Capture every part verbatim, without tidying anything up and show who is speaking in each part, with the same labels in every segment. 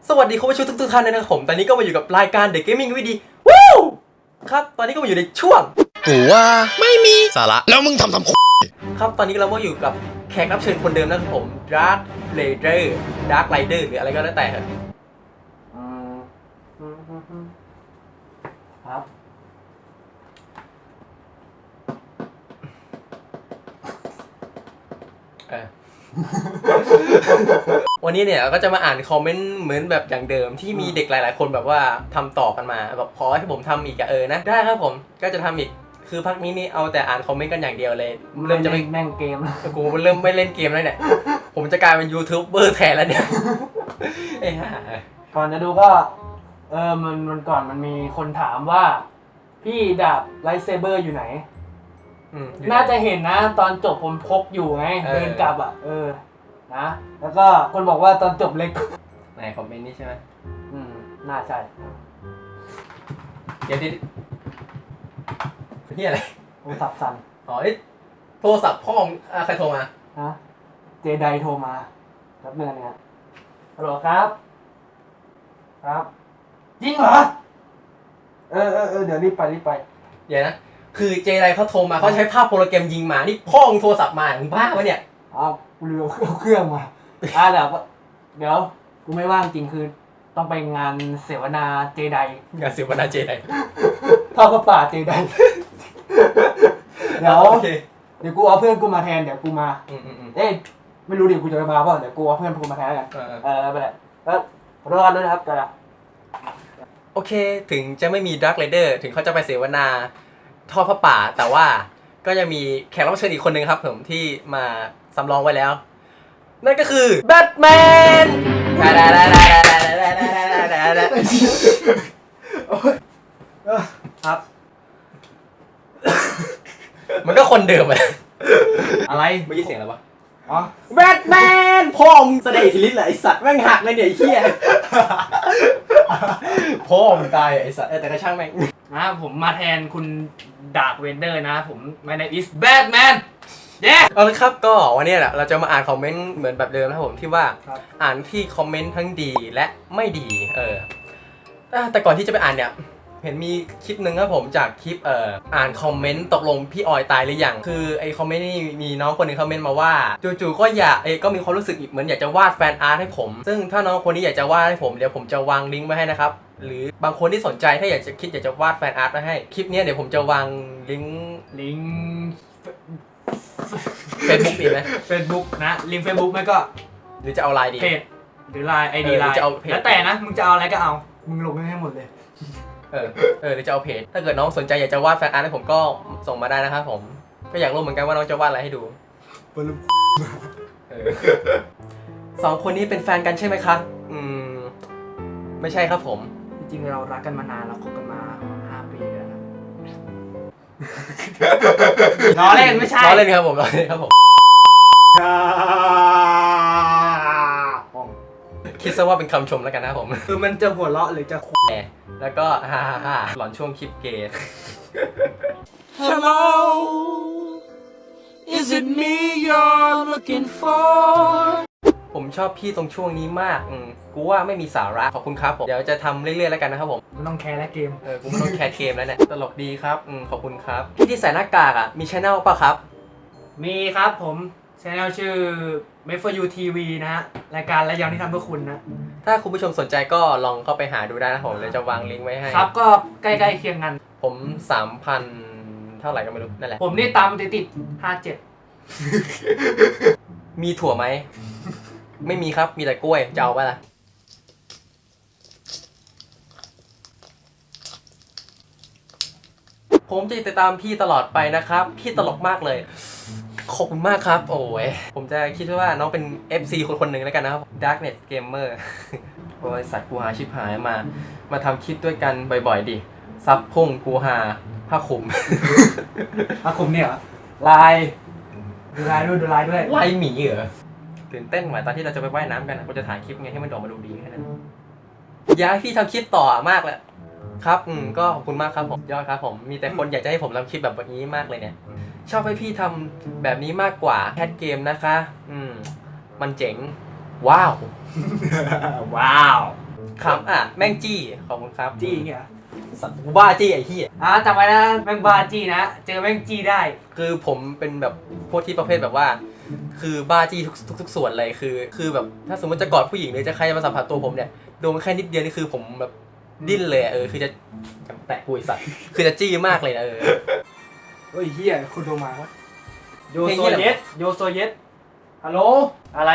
Speaker 1: สวัสดีคุณผู้ชมทุกๆท่านเลยนะครับผมตอนนี้ก็มาอยู่กับรายการ The Gaming วิดีวู้ครับตอนนี้ก็มาอยู่ในช่วง
Speaker 2: กูว่าไม่มีสาระแล้วมึงทำทำ
Speaker 1: ครับตอนนี้เราก็อยู่กับแขกรับเชิญคนเดิมนะครับผม Dark Raider Dark Rider หรืออะไรก็แล้วแต่ครับครับเออ วันนี้เนี่ยก็จะมาอ่านคอมเมนต์เหมือนแบบอย่างเดิมที่มีเด็กหลายๆคนแบบว่าทำต่อกันมาแบบขอให้ผมทำอีกอะเออนะได้ครับผมก็จะทำอีกคือพักนี้นี่เอาแต่อ่านคอมเมนต์กันอย่างเดียวเลยเริ่มจะไม่
Speaker 3: แม่งเกม
Speaker 1: กูเริ่มไม่เล่นเกมแล้วเนี่ยผมจะกลายเป็นยูทูบเบอร์แทนแล้วเนี่ยไอ้ห่า
Speaker 3: ก่อนจะดูก็เออมันมันก่อนมันมีคนถามว่าพี่ดาบไลท์เซเบอร์อยู่ไหนน่าจะเห็นนะตอนจบผมพกอยู่ไงเดินกลับอ่ะเออนะแล้วก็คนบอกว่าตอนจบเล็ก
Speaker 1: ในคอมเมนต์นี้ใช่ไหม
Speaker 3: อืมน่าใช่
Speaker 1: เดี๋ยวดินี่อะไร
Speaker 3: โทรศัพท์สั่น
Speaker 1: อ๋อโทรศัพท์พ่อใครโทรมา
Speaker 3: ฮะเจไดโทรมารับเงินเนี่ยฮัลโหลครับครับจริงเหรอเออเออเออเดี๋ยวรีบไปรีบไป
Speaker 1: เดี๋ยวนะคือเจไดเขาโทรมาเขาใช้ภาพโปรแกรมยิงมานี่พ่อโทรศัพท์มามึงบ้าปะเนี่ย
Speaker 3: อ้าวกูลืมเอาเครื่องมาอ่าเดี๋ยวเดี๋ยวกูไม่ว่างจริงคือต้องไปงานเสวนาเจได
Speaker 1: งานเสวนาเจได
Speaker 3: ทอดพระป่าเจไดเดี๋ยวเดี๋ยวกูเอาเพื่อนกูมาแทนเดี๋ยวกูมาเอ๊ะไม่รู้ดิกูจะมาเปล่าเดี๋ยวกูเอาเพื่อนกูมาแทนกันเออไปเลยแล้วรอกันด้วยนะครับกันละ
Speaker 1: โอเคถึงจะไม่มีดาร์คไรเดอร์ถึงเขาจะไปเสวนาทอดพระป่าแต่ว่าก็จะมีแขกรับเชิญอีกคนนึงครับผมที่มาสำรองไว้แล้วนั่นก็คือแบทแมนครับมันก็คนเดิมเลย
Speaker 3: อะไร
Speaker 1: ไม่ยินเสียงอะไรวะ
Speaker 3: อ๋อ
Speaker 1: แบทแมนพ่อมึงแสดงอิทธิฤทธิ์เหรอไอสัตว์แม่งหักเลยเนี่ยไอ้เหี้ยพ่อมึงตายไอสัตว์แต่ก็ช่างแม่ง
Speaker 3: นะผมมาแทนคุณดาร์คเวนเดอร์นะผม my name is Batman เย้
Speaker 1: เอาละครับก็วันนี้แหละเราจะมาอ่านคอมเมนต์เหมือนแบบเดิมนะครับผมที่ว่าอ่านที่คอมเมนต์ทั้งดีและไม่ดีเออแต่ก่อนที่จะไปอ่านเนี่ยเห็นมีคลิปหนึ่งครับผมจากคลิปเอ่ออ่านคอมเมนต์ตกลงพี่ออยตายหรือยังคือไอคอมเมนต์นี่มีน้องคนนึงคอมเมนต์มาว่าจู่ๆก็อยากเอก็มีความรู้สึกเหมือนอยากจะวาดแฟนอาร์ตให้ผมซึ่งถ้าน้องคนนี้อยากจะวาดให้ผมเดี๋ยวผมจะวางลิงก์ไว้ให้นะครับหรือบางคนที่สนใจถ้าอยากจะคิดอยากจะวาดแฟนอาร์ตมาให้คลิปนี้เดี๋ยวผมจะวางลิงก์
Speaker 3: ลิงก์
Speaker 1: เฟซบุ๊กดีไหม
Speaker 3: เฟซบุ๊กนะลิงก์เฟซบุ๊กไม่ก็
Speaker 1: หรือจะเอาไลน์ดี
Speaker 3: เพจหรือไลน์ไอดีไลน์แล้วแต่นะมึงจะเอาอะไรก็เอามึงลงให้หมดเลย
Speaker 1: เออเออหรือจะเอาเพจถ้าเกิดน้องสนใจอยากจะวาดแฟนอาร์ตให้ผมก็ส่งมาได้นะครับผมก็อยากรู้เหมือนกันว่าน้องจะวาดอะไรให้ดูสองคนนี้เป็นแฟนกันใช่ไหมครับอืมไม่ใช่ครับผม
Speaker 3: จริงๆเรารักกันมานานเราคบกันมาห้าปีแล้วนะล้อเล่นไม่ใช่
Speaker 1: ล้อเล่นครับผมล้อเล่นครับผมคิดซะว่าเป็นคำชมแล้วกันนะครับผม
Speaker 3: คือมันจะหัวเราะหรือจะแ
Speaker 1: หแล้วก็ฮ่าฮ่าฮ่าหลอนช่วงคลิปเกย์
Speaker 4: Hello is it me you're looking for
Speaker 1: ผมชอบพี่ตรงช่วงนี้มากอืมกูว่าไม่มีสาระขอบคุณครับผมเดี๋ยวจะทำเรื่อยๆแล้วกันนะครับผม
Speaker 3: ไม่ต้องแคร์และเกม
Speaker 1: เออกูไม่ต้องแคร์เกมแล้วเนี่ยตลกดีครับอืมขอบคุณครับพี่ที่ใส่หน้ากากอ่ะมีช่องป่ะครับ
Speaker 3: มีครับผมช่องชื่อ Made for You ที วี นะฮะรายการและยังที่ทำเพื่อคุณนะ
Speaker 1: ถ้าคุณผู้ชมสนใจก็ลองเข้าไปหาดูได้นะผมเดี๋ยวจะวางลิงก์ไว้ให้
Speaker 3: ครับก็ใกล้ๆเคียงกัน
Speaker 1: ผม สามพัน เท่าไหร่ก็ไม่รู้นั่นแหละ
Speaker 3: ผมนี่ตามติดๆห้าเจ็ด
Speaker 1: มีถั่วไหมไม่มีครับมีแต่กล้วยจะเอาป่ะล่ะผมจะติดตามพี่ตลอดไปนะครับพี่ตลกมากเลยขอบคุณมากครับโอ้ยผมจะคิดว่าน้องเป็น เอฟ ซี คนคนหนึ่งแล้วกันนะครับ Darknet Gamer บริษัทกูหาชิบหายมามาทำคลิปด้วยกันบ่อยๆดิซับพุ่งกูหาผ้าคลุม
Speaker 3: ผ้าคลุมเนี่ยลายดูลายด้วยดูลายด้วย
Speaker 1: ลายหมีเหรอตื่นเต้นเหมือนตอนที่เราจะไปว่ายน้ำกันกูจะถ่ายคลิปไงให้มันออกมาดูดีแค่นั้นอยากให้พี่ทำคลิปต่อมากเลยครับอืมก็ขอบคุณมากครับผมยอดครับผมมีแต่คนอยากจะให้ผมทำคลิปแบบนี้มากเลยเนี่ยชอบให้พี่ทำแบบนี้มากกว่าแคทเกมนะคะอืมมันเจ๋งว้าว
Speaker 3: ว้าว
Speaker 1: ครับอ่ะแม่งจี้ขอบคุณครับ
Speaker 3: จี้เงี้ย
Speaker 1: สัตว์กูบ้าจี้ไอ้เหี้ย
Speaker 3: อ่ะจำไว้นะแม่งบ้าจี้นะเจอแม่งจี้ได้
Speaker 1: คือผมเป็นแบบพวกที่ประเภทแบบว่า คือบ้าจี้ทุกทุกทุกส่วนเลยคือ คือแบบถ้าสมมติจะกอดผู้หญิงหรือจะใครมาสัมผัสตัวผมเนี่ยโดนแค่นิดเดียวนี่คือผมแบบดิ้นเลยอะเออคือจะแตะกุยสัตว์คือจะจี้มากเลยนะเออ
Speaker 3: เฮ้ยเฮียคุณโทรมาวะโย
Speaker 1: เพลง
Speaker 3: โซ
Speaker 1: เหี้ยอะไร
Speaker 3: เยสโยโซเยสฮัลโหลอะไร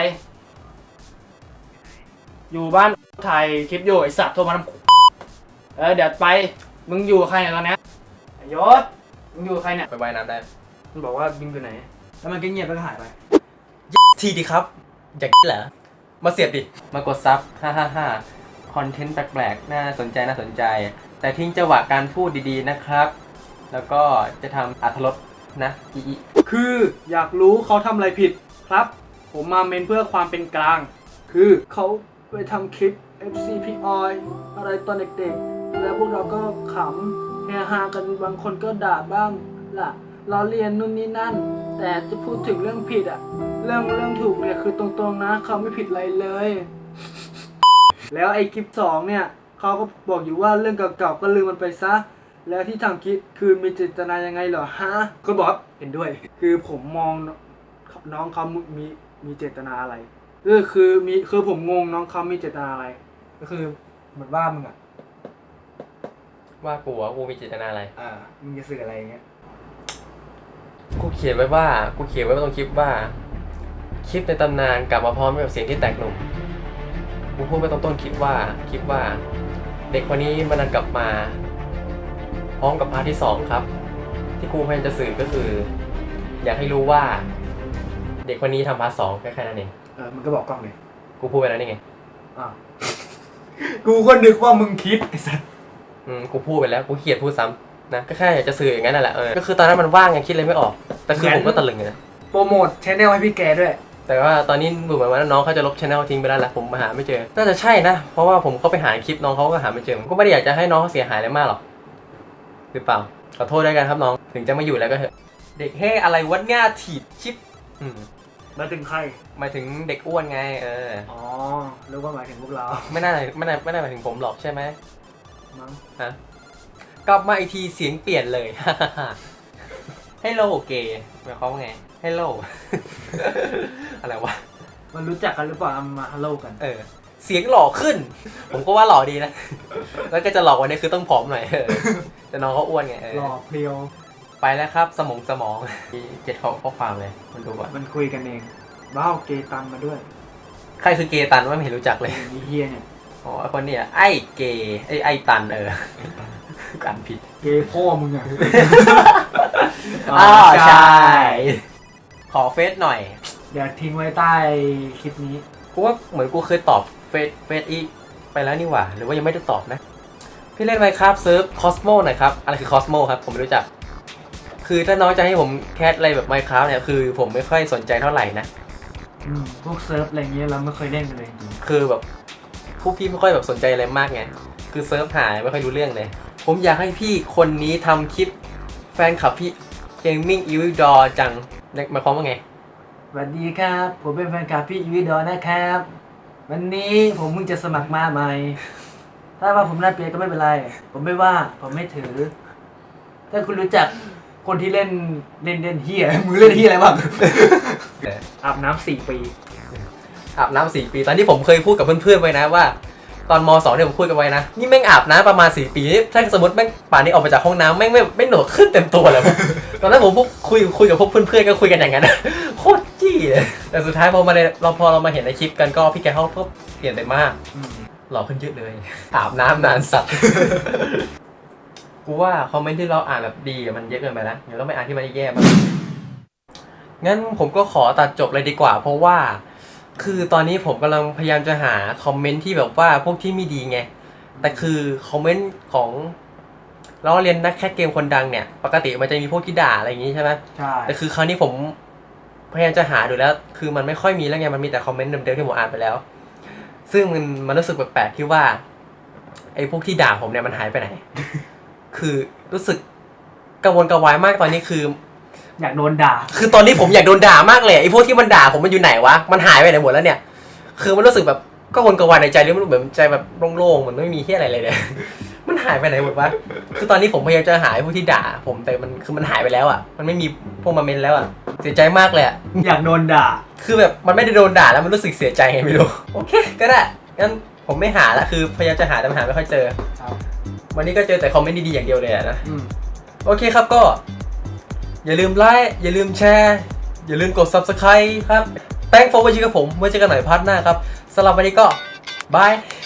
Speaker 3: อยู่บ้านถ่ายคลิปอยู่ไอสัตว์โทรมาทำเออเดี๋ยวไปมึงอยู่กับใครเนี่ยตอนเนี้ยไอยศมึงอยู่กับใครเนี่ย
Speaker 1: ไปว่ายน้ำได้
Speaker 3: มันบอกว่ามึงอยู่ไหนแล้วมันก็เงียบแล้วก็หายไป
Speaker 1: ทีดีครับอยากเหรอมาเสียบดิมากดซับฮ่าฮ่าฮ่าคอนเทนต์แปลกๆน่าสนใจน่าสนใจ แต่ทิ้งจังหวะการพูดดีๆนะครับ แล้วก็จะทำอรรถรสนะอีอี
Speaker 3: คืออยากรู้เขาทำอะไรผิดครับ ผมมาเมนเพื่อความเป็นกลาง คือเขาไปทำคลิป เอฟ ซี พี Oil อะไรตอนเด็กๆ แล้วพวกเราก็ขำเฮฮากันบางคนก็ด่าบ้างล่ะล้อเลียนนู่นนี่นั่น แต่จะพูดถึงเรื่องผิดอะเรื่องเรื่องถูกเนี่ยคือตรงๆนะเขาไม่ผิดอะไรเลย แล้วไอ้คลิปสองเนี่ยเขาก็บอกอยู่ว่าเรื่องเก่าๆก็ลืมมันไปซะ แล้วที่ทำคลิปคือมีเจตนายังไงเหรอฮะก็บอกว่าเห็นด้วย คือผมมองน้องเขามีมีเจตนาอะไรคือคือมีคือผมงงน้องเขามีเจตนาอะไร ก็คือเหมือนว่ามึงอ่ะ
Speaker 1: ว่ากูว่ากูมีเจตนาอะไร
Speaker 3: อ่ามึงจะสื่ออะไรอย่างเงี้ย
Speaker 1: กูเขียนไว้ว่ากูเขียนไว้ตรงคลิปว่าคลิปในตำนานกลับมาพร้อมกับเสียงที่แตกหนุ่มกูพูดไปตรงต้นคลิปว่าคลิปว่า เด็กคนนี้มันดันกลับมาพร้อมกับพาร์ทที่สองครับ ที่กูพยายามจะสื่อก็คือ อยากให้รู้ว่า เด็กคนนี้ทำพาร์ทสองแค่แค่นั้นเอง
Speaker 3: เออมันก็บอกกล้องเลย
Speaker 1: กูพูดไปแล้วนี่ไง
Speaker 3: อ่า กูก็นึกว่ามึงคิดไอ้สัส
Speaker 1: อืมกูพูดไปแล้วกูเขียนพูดซ้ำนะก็แค่อยากจะสื่ออย่างนั้นนั่นแหละเออก็คือตอนนั้นมันว่างไงคิดอะไรไม่ออกแต่คือผมก็ตะลึงเลยนะ
Speaker 3: โปรโมทชแนลให้พี่แกด้วย
Speaker 1: แต่ว่าตอนนี้ดูเหมือนว่าน้องเขาจะลบช anel ทิ้งไปแล้วแหละผมมาหาไม่เจอน่าจะใช่นะเพราะว่าผมก็ไปหาคลิปน้องเขาก็หาไม่เจอผมก็ไม่ได้อยากจะให้น้องเขาเสียหายอะไรมากหรอกหรือเปล่าขอโทษด้วยกันครับน้องถึงจะไม่อยู่แล้วก็เถอะเด็กเฮ้อะไรวะง่าถีบชิปอืม
Speaker 3: มาถึงใคร
Speaker 1: หมายถึงเด็กอ้วนไงเออ
Speaker 3: อ๋อหรือว่าหมายถึงพวกเรา
Speaker 1: ไม่น่าไม่น่าไม่น่าหมายถึงผมหรอกใช่ไหม
Speaker 3: มั้ง
Speaker 1: ฮะกลับมาอีกทีเสียงเปลี่ยนเลย ฮัลโหลเกย์หมายความว่าไงฮัลโหล อะไรวะ
Speaker 3: มันรู้จักกันหรือเปล่าเอามาฮัลโหลกัน
Speaker 1: เออเสียงหล่อขึ้น ผมก็ว่าหล่อดีนะ แล้วก็จะหล่อกว่านี้คือต้องผอมหน่อยเออแต่น้องเขาอ้วนไงเออ
Speaker 3: หล่อเพลียว
Speaker 1: ไปแล้วครับสมองสมองมีเจ็ดข้อข้อความเลยมันดูก่อน
Speaker 3: มันคุยกันเองบ้าวเกตันมาด้วย
Speaker 1: ใครคือเกย์ตันว่าไม่เห็นรู้จักเลย
Speaker 3: มีเฮียเนี่ย
Speaker 1: อ๋อไอ้คนเนี้ยไอ้เกย์ไอ้ไอ้ตันเออการผิด
Speaker 3: เกพ่อมึงอ่ะ
Speaker 1: อ๋อใช่ขอเฟซหน่อย
Speaker 3: เดี๋ยวทิ้งไว้ใต้คลิปนี้
Speaker 1: กูว่าเหมือนกูเคยตอบเฟซเฟซอีไปแล้วนี่หว่าหรือว่ายังไม่ได้ตอบนะพี่เล่นไหมครับเซิร์ฟคอสโมหน่อยครับอะไรคือคอสโมครับผมไม่รู้จักคือถ้าน้องจะให้ผมแคสอะไรแบบไมค์คราฟเนี่ยคือผมไม่ค่อยสนใจเท่าไหร่นะ
Speaker 3: อืมพวกเซิร์ฟอะไรเงี้ยเราไม่เคยเล่นกันเลยจริง
Speaker 1: คือแบบพวกพี่ไม่ค่อยแบบสนใจอะไรมากไงคือเซิร์ฟหายไม่ค่อยรู้เรื่องเลยผมอยากให้พี่คนนี้ทำคลิปแฟนคลับพี่เกมมิ่งอีวิดอจังหมายความว่าไง
Speaker 3: สวัสดีครับ ผมเป็นแฟนคลับพี่อีวิดอนะครับ วันนี้ผมเพิ่งจะสมัครมาใหม่ ถ้าว่าผมน่าเปรียก็ไม่เป็นไร ผมไม่ว่าผมไม่ถือ ถ้าคุณรู้จักคนที่เล่นเล่นเล่นเฮียมือเล่นเฮียอะไรบ้าง อาบน้ำสี่ปี
Speaker 1: อาบน้ำสี่ปีตอนที่ผมเคยพูดกับเพื่อนๆไว้นะว่า ตอนมสองเนี่ยผมพูดกันไว้นะนี่แม่งอาบน้ำประมาณสี่ปีถ้าสมมติแม่งป่านนี้ออกมาจากห้องน้ำแม่งไม่ไม่หนวดขึ้นเต็มตัวเลย ตอนนั้นผมพวกคุยคุยกับพวกเพื่อนๆก็คุยกันอย่างนั้น โคตรจี้เลยแต่สุดท้ายพอมาในเราพอเรามาเห็นในคลิปกันก็พี่แกเขาก็เปลี่ยนไปมากหล่อขึ้นเยอะเลยอาบน้ำนานสัตว์ กูว่าคอมเมนต์ที่เราอ่านแบบดีมันเยอะเกินไปนะเดี๋ยวต้องไปอ่านที่มันแย่ๆบ้างงั้นผมก็ขอตัดจบเลยดีกว่า เพราะว่าคือตอนนี้ผมกำลังพยายามจะหาคอมเมนต์ที่แบบว่าพวกที่ไม่ดีไงแต่คือคอมเมนต์ของเราเรียนนักแคสเกมคนดังเนี่ยปกติมันจะมีพวกที่ด่าอะไรอย่างงี้ใช่ไหม
Speaker 3: ใช่
Speaker 1: แต่คือคราวนี้ผมพยายามจะหาดูแล้ว คือมันไม่ค่อยมีแล้วไงมันมีแต่คอมเมนต์เดิมๆที่ผมอ่านไปแล้ว ซึ่งมันมันรู้สึกแปลกๆที่ว่าไอ้พวกที่ด่าผมเนี่ยมันหายไปไหน คือรู้สึกกังวลกระวายมากตอนนี้คือ
Speaker 3: อยากโดนด่า
Speaker 1: คือตอนนี้ผมอยากโดนด่ามากเลยไอ้พวกที่มันด่าผมมันอยู่ไหนวะมันหายไปไหนหมดแล้วเนี่ย คือมันรู้สึกแบบก็วนกระวายในใจเรื่องมันเหมือนใจแบบโล่งๆมันไม่มีเฮี้ยอะไรเลยเนี่ย มันหายไปไหนหมดวะคือตอนนี้ผมพยายามจะหาพวกที่ด่าผมแต่มันคือมันหายไปแล้วอ่ะมันไม่มีพวกมาเมนแล้วอ่ะเสียใจมากเลยอ่ะ
Speaker 3: อยากโดนด่า
Speaker 1: คือแบบมันไม่ได้โดนด่าแล้วมันรู้สึกเสียใจไงไม่รู้โอเคก็ได้งั้นผมไม่หาละคือพยายามจะหาแต่หาไม่ค่อยเจอ
Speaker 3: ครับ
Speaker 1: วันนี้ก็เจอแต่คอมเมนต์ดีๆอย่างเดียวเลยอะนะ
Speaker 3: อืม
Speaker 1: โอเคครับก็ อย่าลืมไลค์อย่าลืมแชร์อย่าลืมกด ซับสไครบ์ ครับ Thanks for watching กับผมไว้เจอกันใหม่พาร์ทหน้าครับสำหรับวันนี้ก็บาย